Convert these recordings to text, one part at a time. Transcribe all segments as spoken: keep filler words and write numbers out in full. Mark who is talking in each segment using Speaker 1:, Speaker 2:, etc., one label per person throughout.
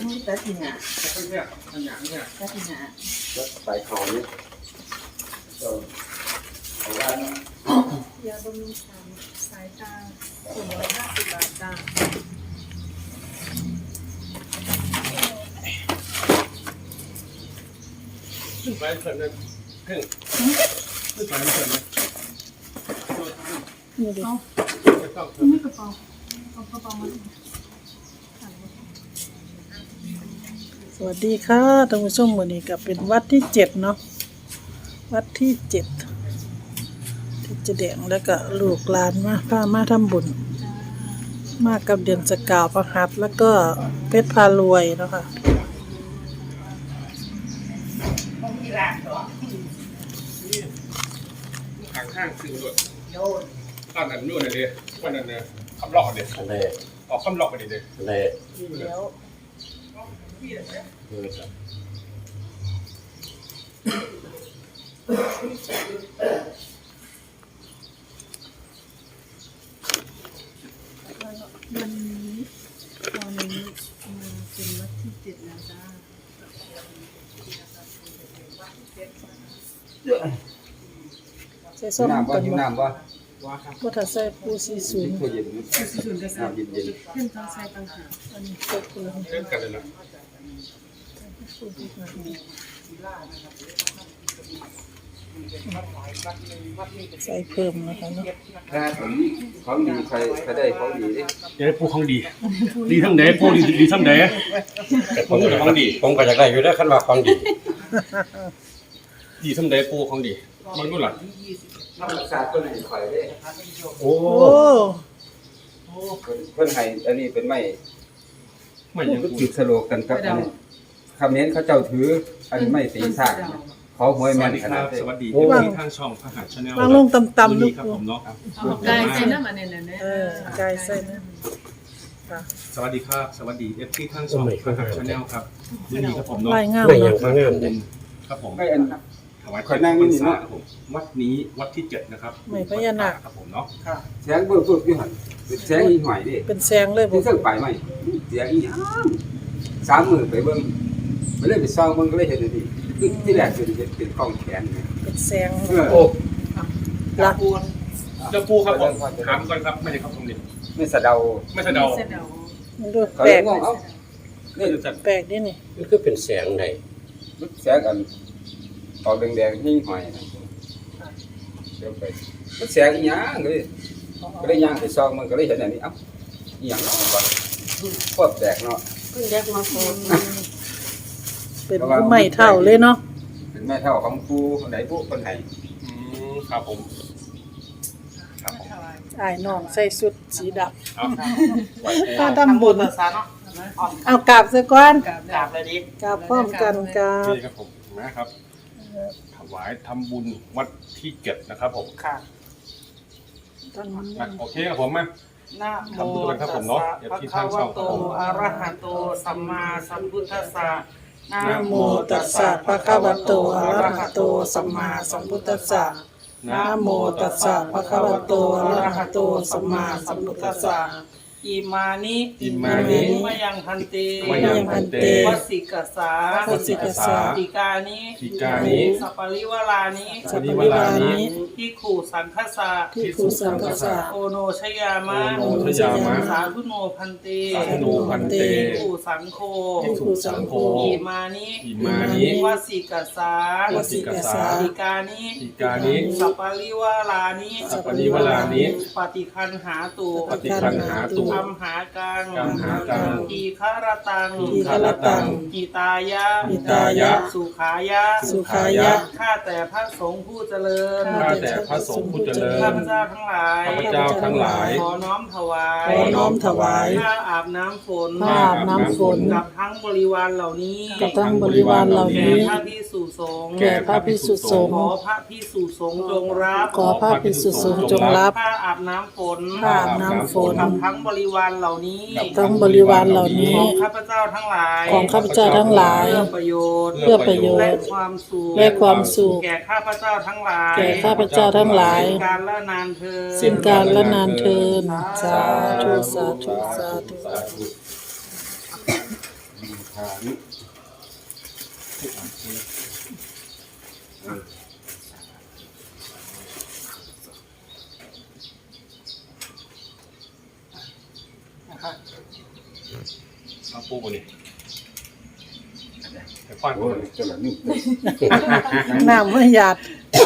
Speaker 1: ตัดที่หน้า
Speaker 2: เนี่ยอันอย่างเนี่ย
Speaker 1: ตัดที่หน้า
Speaker 3: แล้วใส่เขาเนี่ยก็เอาไว้นะ
Speaker 4: ยาบำรุงสายตาสองร้อยห้าสิบบาทจ้า
Speaker 2: ขึ้นไปเพิ่นเลยขึ้นขึ้นไปเพิ่นเลย
Speaker 4: นี่ดิเอาไม่กระเป๋าเอากระเป๋ามา
Speaker 5: สวัสดีค่ะท่านผู้ชมวันนี้ก็เป็นวัดที่เจ็ดเนาะวัดที่เจ็ดที่เจแดงแล้วก็ลูกหลานมาพามาทำบุญมากับเดือนสกาวประหัตแล้วก็เพชรพารวยเนาะค่ะ
Speaker 2: ข้างข้างคือรถตอนนั้นนู่นน่ะดิวันนั้นเนี่ยคำหลอกเนี่ย
Speaker 3: อะไร
Speaker 2: ออกคำหลอกไปดิเด้
Speaker 3: อะไร
Speaker 5: เดี๋ยว
Speaker 4: วันนี้ตอนนี้มาเป็นวัดที่เจ็ดแล้วจ้า
Speaker 5: ใส่ส้ม
Speaker 3: น้ำว่า
Speaker 5: กัน
Speaker 3: หิว
Speaker 5: บ่
Speaker 3: น้ำว่า
Speaker 5: ว่าถ้าใส่ปูซีศูนย์
Speaker 3: ตัวเย็น
Speaker 4: สี่ศูนย์กระสับ
Speaker 3: น้ำเย็นเย็น
Speaker 4: เพื่อนต้องใส่ต่างหาก
Speaker 5: อันนี้ใส่ปู
Speaker 2: เล่นกันเลยนะ
Speaker 5: ใส่เพิ่มนะคะเนาะ
Speaker 3: ถ้าผมของดีใครใครได้ของดีดิ
Speaker 2: เดี๋ยวปูของดีดีทั้งไหนปูดีดีทั้งไหนผมก็ของดี
Speaker 6: ผมก็อยากได้อยู่แล้วคันว่าของดี
Speaker 2: ดีทั้งไหนปูของดีมันรู้หรอ
Speaker 3: น้ำรักษาคนให้ข่อยได้
Speaker 2: โอ้
Speaker 5: โอ้
Speaker 3: เพิ่นให้อันนี้เป็นไม้
Speaker 2: ไม่ยัง
Speaker 3: ก็
Speaker 2: ปู
Speaker 3: จุดสโลกันครับอันนี้คำนี้เขาเจ้าถืออันนี้ไม่ตีซากเขาหวย
Speaker 2: ส
Speaker 3: แม่
Speaker 2: วัน สดี
Speaker 3: ข
Speaker 2: ค
Speaker 3: นา
Speaker 2: รั
Speaker 3: ด
Speaker 2: บ
Speaker 3: นี้
Speaker 2: สวัสดีที่ทางช่องพระหัตถ์ชาแนล
Speaker 5: วางลงต่ำๆลู
Speaker 2: ลู
Speaker 5: ก
Speaker 2: กครับผมเนาะ
Speaker 4: เอาไก่ใส่น้ำมันเนี่ยเนี่ย
Speaker 5: เออไก่ใส่นะค่ะ
Speaker 2: สวัสดีครับสวัสดีเอฟที่ทางช่องพระหัตถ์ชาแนลครับยินดีครับผมเนาะ
Speaker 5: ลายงาม
Speaker 6: ไม่ยั
Speaker 5: เนาะ
Speaker 6: งข้างงามเลย
Speaker 2: ครับผม
Speaker 3: ไม่อัน
Speaker 2: ถวาย
Speaker 3: ขอนั่งนิดนึง
Speaker 2: พร
Speaker 3: เนาะ
Speaker 2: ครับผมวัดนี้วัดที่เจ็ดนะครับ
Speaker 5: ไม่พญานาค
Speaker 2: ครับผมเนาะ
Speaker 3: แสงเบิ่งปุ๊บอยู่หั่นเป็นแสงอีหอยดิ
Speaker 5: เป็นแสงเลยบ่
Speaker 3: ที่เพิ่งไปไหมเสียงอีหยังสามมื้อไปเบิ่งไปเลยไปซ่องเบิ่งก็เลยเห็นอันนี้คือที่แรกคือเห็นเป็นกล้องแขนนี่
Speaker 5: เป็นแสง
Speaker 3: เออ
Speaker 2: โอ้
Speaker 5: ละ
Speaker 2: เจ้าปูครับผมถามก่อนครับไม่ใช่ครับผมนี่
Speaker 3: ไม่สะเดา
Speaker 2: ไม่ใช่เดา
Speaker 4: เสร็จแล้ว
Speaker 5: มันดู
Speaker 3: เขา
Speaker 5: แปล
Speaker 3: เลย
Speaker 5: ก
Speaker 3: งงเอ้านี่
Speaker 2: จัด
Speaker 5: แปลกดินี่
Speaker 6: มันคือเป็นแสงใด
Speaker 3: แสงอันออกแดงๆนี่หอยนะเดี๋ยวไปมันแสงอีหยังเลยก็เลยย่างไปซ่องมันก็เลยเห็นอันนี้เอ้าอีหยังเนาะวะโคตรแปลกเนาะ
Speaker 4: เพิ่งแยกมาโฟน
Speaker 5: เป็นผู้ใหม่เท่าเลยเนาะ
Speaker 3: เป็นแม่เท่าของผู้คนไหนผู้คนไหน
Speaker 2: อืมครับผมครับผม
Speaker 5: อ้ายน้องใส่ชุดสีดำ
Speaker 2: เอาไหว
Speaker 5: ถ้าทำบุญเอากราบซะก่อน
Speaker 4: กราบเลยดิ
Speaker 5: กราบพร้อมกันกราบ
Speaker 2: นี่ครับผมนะครับถวายทำบุญวัดที่เจ็ดนะครับผม
Speaker 1: ค่ะ
Speaker 2: อ่ะโอเคครับผมมา
Speaker 1: นะโม
Speaker 2: ทำบุญกันครับ
Speaker 1: ตั
Speaker 2: ผ
Speaker 1: ส
Speaker 2: มเนาะ
Speaker 1: สะ
Speaker 2: เดี๋ยว
Speaker 1: ภะ
Speaker 2: ที่
Speaker 1: คะ
Speaker 2: ทางช่
Speaker 1: วะ
Speaker 2: องค
Speaker 1: โต
Speaker 2: รับผม
Speaker 1: อะระหะโตสัมมาสัมพุทธัสสะนะ
Speaker 5: นะ
Speaker 1: โม
Speaker 5: โมตัสสะภะคะวะโตอะระหะโตสัมมาสัมพุทธัสสะนะโมตัสสะภะคะวะโตอะระหะโตสัมมาสัมพุทธัสสะ
Speaker 1: อิมานิ
Speaker 2: อิมานิ
Speaker 1: มะยังพันเต
Speaker 2: มะยังพันเต
Speaker 1: วัสสิกสา
Speaker 5: วัสสิกสา
Speaker 1: ติกานิ
Speaker 2: ติกานิ
Speaker 1: สัปปริวารานิ
Speaker 5: สัพพวิวานิ
Speaker 1: ที่ขู่สังคสะ
Speaker 5: ที่ภูสังฆสะ
Speaker 1: โอโนชยามะ
Speaker 2: โอโนชยามะ
Speaker 1: สาธุโนพันเต
Speaker 2: สาธุโนพันเต
Speaker 1: ที่ขู่สังโฆ
Speaker 2: ภิกขุสังโฆ
Speaker 1: อิมานิ
Speaker 2: อิมานิ
Speaker 1: วัสสิกสา
Speaker 2: วัสสิกสา
Speaker 1: ติกานิ
Speaker 2: ติกานิ
Speaker 1: สัปปริวารานิ
Speaker 2: สัพปริวารานิ
Speaker 1: ปฏิคันหาตุ
Speaker 2: ปฏิคันหาตุ
Speaker 1: อัมหากัง
Speaker 2: กัมหากัง
Speaker 1: อีคารตัง
Speaker 5: อีคารตัง
Speaker 1: อิตายะ
Speaker 5: อิตายะ
Speaker 1: สุขายะ
Speaker 5: สุขายะ
Speaker 1: ข้าแต่พระสงฆ์ผู้เจริญ
Speaker 2: ข้าแต่พระสงฆ์ผู้เจริญ
Speaker 1: ข้าพเจ้าทั้งหลาย
Speaker 2: ข้าพเจ้าทั้งหลาย
Speaker 1: ขอน้อมถวาย
Speaker 5: ขอน้อมถวาย
Speaker 1: ผ้าอาบน้ำฝน
Speaker 5: ผ้าอาบน้ำฝน
Speaker 1: กับทั้งบริวารเหล่านี้
Speaker 5: กับทั้งบริวารเหล่า
Speaker 1: แก่
Speaker 5: นี้
Speaker 1: พระพิสุสงฆ์
Speaker 5: แก่พระภิกษุสงฆ์
Speaker 1: ขอพระพิสุสงฆ์จงรับ
Speaker 5: ขอพระภิกษุสงฆ์จงรับ
Speaker 1: ผ้าอาบน้ำฝน
Speaker 5: ผ้าอาบน้ำฝน
Speaker 1: กับทั้งบริวารเหล่านี้
Speaker 5: กับทั้งบริวารเหล่านี้
Speaker 1: ของข้าพเจ้าทั้งหลาย
Speaker 5: ของข้าพเจ้าทั้งหลาย
Speaker 1: เพื่อประโยชน์
Speaker 5: เพื่อประโย
Speaker 1: และ
Speaker 5: ชน์
Speaker 1: ความสุข
Speaker 5: และความสุข
Speaker 1: แก่ข้าพเจ้าทั้งหลาย
Speaker 5: แก่ข้าพเจ้าทั้งหลาย
Speaker 1: สิ้นการละนานเธอญ
Speaker 5: สิ้นการละนานเทินสาธุสาธุสาธุ
Speaker 2: สาธุ
Speaker 3: ฐาน
Speaker 2: มาปูบ่นี่ไปฟัน
Speaker 3: โอ้ยจะละนิ่ม
Speaker 5: น้ำไม่หยาด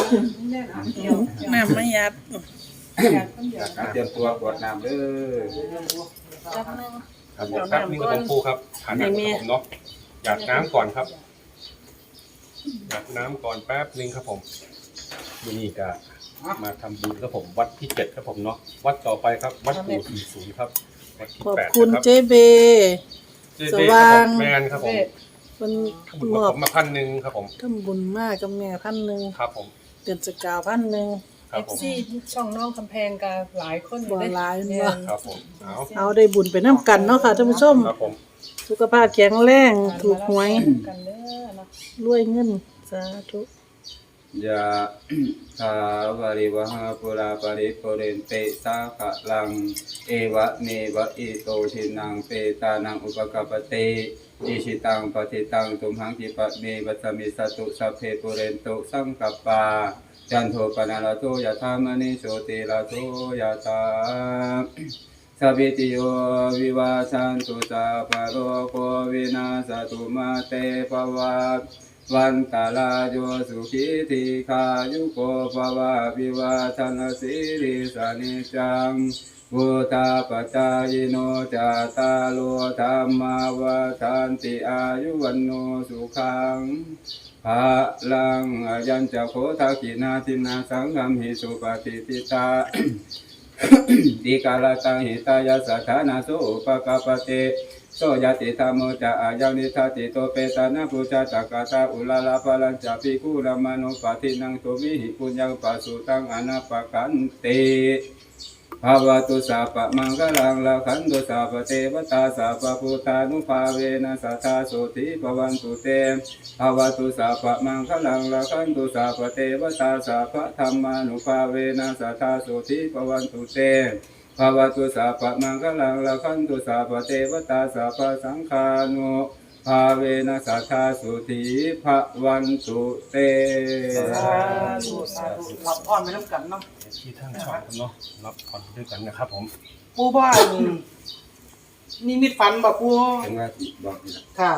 Speaker 5: น้ำไม่หยาด
Speaker 3: เตรียมตัวกวดน้ำเด้อ
Speaker 2: ครับเดี๋ยวแป๊บนึงครับผมปูครับฐานน้ำครับผมเนาะหยาดน้ำก่อนครับหยาดน้ำก่อนแป๊บนึงครับผมวันนี้ก็มาทำบุญครับผมวัดที่เจ็ดครับผมเนาะวัดต่อไปครับวัดปู่สี่ศูนย์ครับวัดที่
Speaker 5: ขอบ
Speaker 2: แปด
Speaker 5: คุณ
Speaker 2: นะครับ
Speaker 5: เจเบ
Speaker 2: เจ๊
Speaker 5: ส
Speaker 2: เบ้
Speaker 5: ว่าง
Speaker 2: แมนครับผม
Speaker 5: เป็น
Speaker 2: ทำบุญ
Speaker 5: ม
Speaker 2: กับ
Speaker 5: อบ
Speaker 2: ผมมาพันหนึ่งครับผม
Speaker 5: ทำบุญมากกับแม่พันหนึ่ง
Speaker 2: ครับผม
Speaker 5: เดือนสกาวพันหนึ่ง
Speaker 2: ครับผม
Speaker 4: ซี่ช่องน้องกำแพงกับหลายคน
Speaker 5: บ่หลายเนาะ
Speaker 2: ครับผมเอา
Speaker 5: เอาได้บุญไปน้ำกันเนาะค่ะท่านผู้ชม
Speaker 2: ครับผม
Speaker 5: สุขภาพแข็งแรงถูกหวย
Speaker 4: กันเด้อเนาะ
Speaker 5: รวยเงินสาธุ
Speaker 3: ยะทาวาริวหาปุราปริปุเรนเตสาขะลังเอวะเมวะอิโตทินังเปตานังอุปกปปเตอิชิตังปฏิตังตุมหังกิปะเมวัสมิสตุสัพเพปุเรนตุสังกัปปาจันโทปนาลโทยะธามณิโชติลาโทยะตาสัพพิติโยวิวาชันตุสัพพะโลกโควินาศตุมาเตภวัตวันตาลาโยสุขิติขายุโกภวะวิวาชันสิริสานิจังพุทธาปัจจายโนจาตาโลธรรมาวาทันติอายุวันโนสุขังภะลังอายัญจะโคทากินาทินาสังฆมหิสุปฏิทิตา ติกาลตังหิตายาสัทธานาโสอุปกปปเตโสยติธรรมโมจะอายังนิทัติโตเปตานะปุจจตกาตาอุลาลาภลัญจะภิกขุรมโนปฏินังตุมิหิปุญญังปัสสุตังอนาปกันเตภาวตุสัพพมังคลังลาขันตุสัพพเทวตาสัพพพุทธานุภาเวนะสัทธาโสติภวันตุเตภาวตุสัพพมังคลังลาขันตุสัพพเทวตาสัพพธรรมานุภาเวนะสัทธาโสติภวันตุเตภาวตุสัพพมังคลังลาขันตุสัพพเทวตาสัพพสังฆานุภาเวนะสัทธาโสติภวันตุเต
Speaker 1: สาธุสาธุรับพรไปน้ำกันเนาะ
Speaker 2: ที่ทั้งช่องครับเนาะรับผ่อนด้วยกันนะครับผม
Speaker 1: ปูบ้านนี่มิดฝันบ่ปู
Speaker 3: เห็นว่าที่บอกนี่ล่ะ
Speaker 1: ค่ะ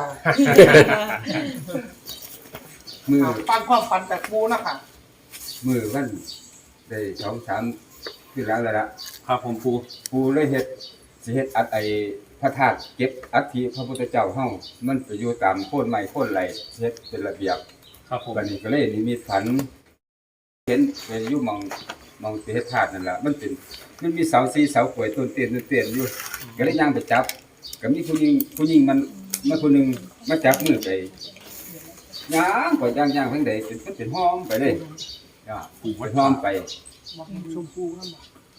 Speaker 3: มือ
Speaker 1: อ่าฟังความฝันจากปูนะคะ
Speaker 3: มือวันได้สองสามคือหลังแล้วล่ะ
Speaker 2: ครับผมปู
Speaker 3: ปูเลยเฮ็ดสิเฮ็ดอัดไอ้พระธาตุเก็บอัฐิพระพุทธเจ้าเฮามันไปอยู่ตามโคนไม้โคนไหลเฮ็ดเป็นระเบียบ
Speaker 2: ครับผม
Speaker 3: บัดนี้ก็เลยนิมิตฝันเห็นไปอยู่หม่องหม่องสิเฮ็ดธาตุนั่นล่ะมันเป็นมันมีเสาสี่เสากล้วยต้นเตียนต้นเตียนอยู่ก็เลยย่างไปจับก็มีผู้หญิงผู้หญิงมันมาคนหนึงมาจับมือไปย่างก็ย่างย่างทางใดเป็นมันเป็นห้อมไปเลยอ่า
Speaker 2: ปู
Speaker 3: ไป
Speaker 2: วัด
Speaker 3: ห้อมไป
Speaker 1: บอกชมพูนั่นบ่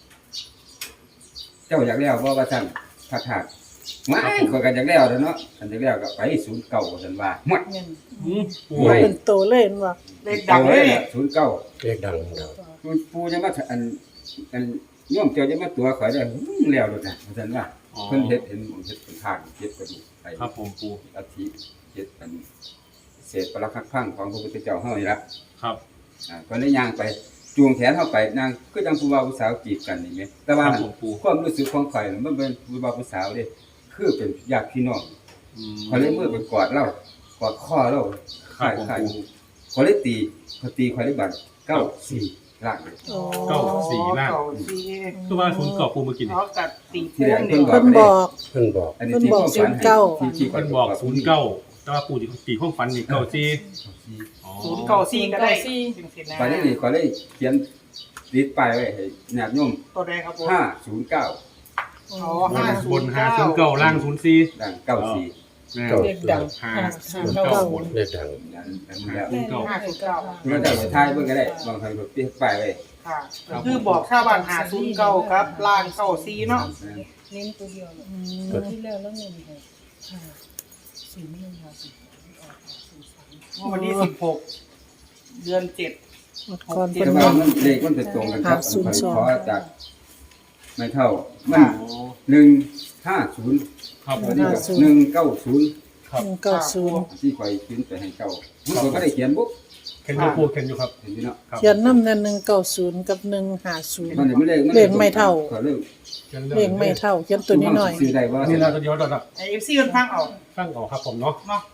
Speaker 3: เจ้าอยากแล้วบ่ว่าซั่นพระธาตุไม่ข้อยก็อยากแล้วเด้อเนาะคันอยากแล้วก็ไปศูนย์เก้าซั่นว่าหมด
Speaker 2: อืมปู
Speaker 3: ไม่
Speaker 5: เป็นโตเล่นว่ะ
Speaker 1: เลขดังเลย
Speaker 3: ศูนย์เก้า
Speaker 6: เรียกดังครับ
Speaker 3: มันปูจะมาอันอันโยมเจ้าจะมาตัวข่อยได้อื้อแล้วโลดนะว่าซั่นว่า
Speaker 2: อ๋อ
Speaker 3: เพิ่นเฮ็ดเห็นเฮ็ดเป็นทางเฮ็ดกระดูกไป
Speaker 2: ครับผมปู
Speaker 3: อาทิเฮ็ดเป็นเศษปรักหักพังของพระพุทธเจ้าเฮานี่ล่ะ
Speaker 2: ครับ
Speaker 3: อ่าก็เลยย่างไปจูงแขนเฮาไปนางคือจังผู้บ่าวผู้สาวจีบกันนี่แหมแต่ว่า
Speaker 2: ครับผมปู
Speaker 3: ความรู้สึกของข่อยมันเป็นผู้บ่าวผู้สาวเด้คือเป็นญาติพี่น้อง
Speaker 2: อืม
Speaker 3: ข่อยเลยมือไปกอดเล่ากอดคอเล่า
Speaker 2: ครับผม
Speaker 3: ข่ายข่อยเลยตีข่อยตีข่อยเลยบัดเก้าสี่ล่างเลย
Speaker 5: อ๋อ
Speaker 2: เก้าสี่ล่าง
Speaker 1: เก้าสี่
Speaker 2: คือว่าศูนย์เก่าปูเมื่อกี้นี่
Speaker 1: เขากัดตี
Speaker 3: ที่
Speaker 1: ปู
Speaker 3: แรก
Speaker 1: นี่
Speaker 3: เพิ่นบอก
Speaker 5: เพิ่นบอก
Speaker 6: เพิ่นบอก
Speaker 3: อันนี้ที่ความฝันให้ที่ที่
Speaker 2: เพิ่นบอกศูนย์เก้าแต่ว่าปูที่ตีห้องฟันนี่เก้าสี่อ๋อ
Speaker 1: ศูนย์เก้าสี่ก็ได้จังสินะ
Speaker 3: ตอนนี้นี่ข่อยเลยเขียนติดป้ายไว้ให้ญาติโยม
Speaker 1: ตัวใดครับผม
Speaker 3: ห้าศูนย์เก้า
Speaker 1: อ๋อบ
Speaker 2: น
Speaker 1: ห้า
Speaker 2: บ
Speaker 1: ศู
Speaker 2: น
Speaker 1: นย์
Speaker 2: หา
Speaker 1: เก้า
Speaker 2: ศูนย์เก้าล่างศูนย์สี่
Speaker 3: ดังเก้าสี่
Speaker 2: แม่
Speaker 6: เรียกดัง
Speaker 2: หาศูนย์เก้าบน
Speaker 6: เรียกดัง
Speaker 3: นั่นอันนี้แล้ว
Speaker 2: ศูนย์เก้า
Speaker 1: ห้าศูนย์เก้า
Speaker 3: เมื่อเจ้าไปทายเบิ่งก็ได้บางครั้งก็ติดป้ายไว้
Speaker 1: ค่ะก็คือบอกชาวบ้านหาศูนย์เก้าครับล่างเก้าสี่เนาะ
Speaker 4: เน้นตัวเดียวเลย
Speaker 5: อื
Speaker 4: ตัว
Speaker 5: ม
Speaker 4: ที่แล้วแล้วเน้นให้ค่ะศูนย์หนึ่งค่ะศูนย์สองศูนย์สาม
Speaker 1: วันที่สิบหกเดือนเจ็ด
Speaker 5: ก่อน
Speaker 3: แต่
Speaker 5: เพิ่น
Speaker 3: ว่า
Speaker 5: บอก
Speaker 3: มันเลขมันจะตรงกันครับ
Speaker 5: ห้าศูนย์สอง
Speaker 3: ขอจากไม่เท่ามันหนึ่งห้าศูนย์
Speaker 2: ครับผม
Speaker 3: วันนี้ก็หนึ่งเก้าศูนย์
Speaker 2: คครับ
Speaker 5: หนึ่งเก้าศูนย์
Speaker 3: ที่คอยเขียนไปให้เจ้ามันก็ได้เขียนบุ๊ก
Speaker 2: เข็นอยู่ปูเข็นอยู่ครับ
Speaker 3: เห็นอยู่เนาะ
Speaker 2: ครับ
Speaker 5: เขียนน้ำนั่นหนึ่งเก้าศูนย์กับหนึ่งห้าศูนย์
Speaker 3: มันไม่เลข
Speaker 5: เลขไม่เท่า
Speaker 3: ก็เลข
Speaker 2: ขียน
Speaker 5: เลขไม่เท่าเขียนตัวนี้หน่อย
Speaker 3: ซื้อได้ว่า
Speaker 2: นี่เราจะเดียวเราจะ
Speaker 1: ไอเอฟซีมันฟังเอา
Speaker 2: ตั้งออกครับผมเนาะ
Speaker 1: เนาะ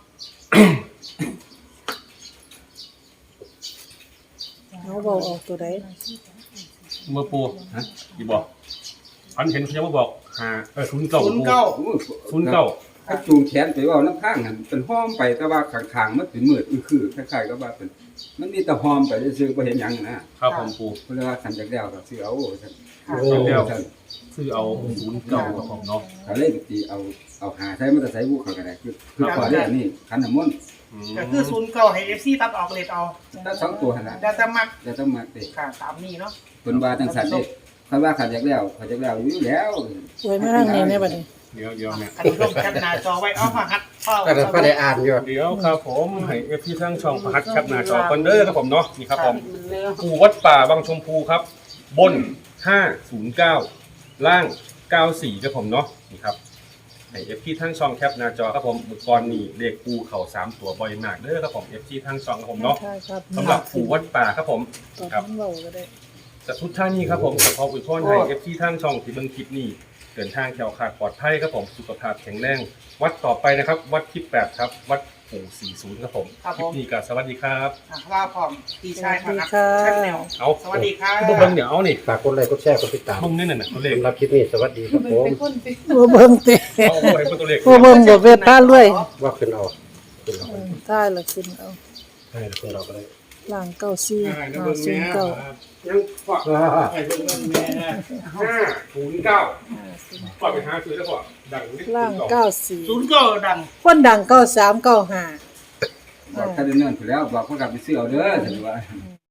Speaker 5: เอาเบาออกตัวใด
Speaker 2: เมื่อปูฮะกี่บอกอันเห็นเขาจะมาบอกหาเออศูนย์เก้า
Speaker 1: ศูนย์เก้า
Speaker 2: ศูนย์เก้า
Speaker 3: ถ้าจูงแขนไปว่าน้ำข้างหันเป็นห้อมไปแต่ว่าข้างๆมันเป็นมืดอื้อคือคล้ายๆกับว่าเป็นมันมีแต่ห้อมไปซื่อๆบ่เห็นหยังนะครับ
Speaker 2: ผมปู
Speaker 3: เพิ่นเลยว่าขันจากแล้วก็ซื้อเอาซั่น
Speaker 1: ค่ะ
Speaker 2: โอ้เดียวซื้อเอาศูนย์เก้าครับผมเนาะ
Speaker 3: ก็เลยไปตีเอาเอาหาใช้มันจะใช้บุกเขาก็ได้คือคือก่อนเรื่องนี้ขันน้ำมนต์
Speaker 2: อืม
Speaker 1: ก็คือศูนย์เก้าให้เอฟซีตัดออกเลทเอา
Speaker 3: ถ้าสองตัวหั่นน่ะ
Speaker 1: เดี๋ยวจะมัก
Speaker 3: จะต้องมาเตะ
Speaker 1: ค่ะตามนี้เนาะ
Speaker 3: เพิ่นว่าจังซั่นเด้คันว่าขันจากแล้วขันจากแล้วอยู่แล้ว
Speaker 5: ไว้ไม่ทางนี้เนี่ยบัดนี้
Speaker 2: เดี๋ยวเดี๋ยวเนี่ย
Speaker 1: อันนี้ร่วมกันหน้าจอไว้เอามาฮัดเฝ้า
Speaker 6: ก็ได้ก็ได้อ่านอยู่
Speaker 2: เดี๋ยวครับผมให้เอฟที่ทั้งช่องประหัดแคปหน้าจอคอนเดอร์ครับผมเนาะนี่ครับผมปูวัดป่าบางชมพูครับ บนห้าศูนย์เก้าล่างเก้าสี่ครับผมเนาะนี่ครับให้เอฟที่ทั้งช่องแคปหน้าจอครับผมเมื่อก่อนนี่เลขปูเข่าสามตัวบ่อยมากเด้อครับผมเอฟที่ทั้งช่องครับผมเนาะ
Speaker 5: ใช่ครับ
Speaker 2: สำหรับปูวัดป่าครับผม
Speaker 5: ตอน
Speaker 2: ครับ
Speaker 5: นั้นเบาก็ได้
Speaker 2: จากทุกท่านนี้ครับผมขอขอบคุณพ่อให้เอฟที่ทั้งช่องที่เบิ่งคลิปนี้เดินทางแข็งขาดปลอดภัยครับผมสุขภาพแข็งแรงวัดต่อไปนะครับ วัดที่แปดครับวัดปู่สี่ศูนย์ครับผมคลิปนี้ก็สวัสดีครับ
Speaker 1: อ่ะลาพร้อมพี่ชาย
Speaker 5: สวัสดี
Speaker 1: มา
Speaker 5: ค่ะ
Speaker 1: ชัดแนว
Speaker 2: เอา
Speaker 1: สวัสดีค่ะ
Speaker 2: เบิ่งเดี๋ยวเอานี่
Speaker 6: ฝากกดไลค์กดแชร์กดติดตาม
Speaker 2: เบิ่งนี่น่ะตัวเลข
Speaker 6: สำหรับคลิปนี้สวัสดีครับผม
Speaker 5: บ่เบิ่งเตะ
Speaker 2: เอาเอาไว้เป็นตัวเลข
Speaker 5: บ่เบิ่งบ่เวทท่ารวย
Speaker 6: ว่าขึ้นเอาขึ้นเอา
Speaker 5: อืมได้ละคุณเอา
Speaker 6: ให้ขึ้นเราก็ได้
Speaker 5: ล่างเก้าสี่
Speaker 2: ได้นะ
Speaker 5: ห้า
Speaker 2: เบิ่ง
Speaker 5: ศู
Speaker 2: แม่
Speaker 5: นย์เก้า
Speaker 2: ยังฝาก
Speaker 6: อ่า
Speaker 2: ให้เบิ่งแม่ห้าศูนย์เก้าฝากไปหาซื้อแล้วก็ดังนิด
Speaker 5: ล่างเก้าสี่
Speaker 1: ศูนย์เก้าดัง
Speaker 5: คนดังเก้าสามเก้าห้า
Speaker 3: บอกท่านเนิ่นๆไปแล้วบอกเขากลับไปซื้อเอาเด้อซั่นว่า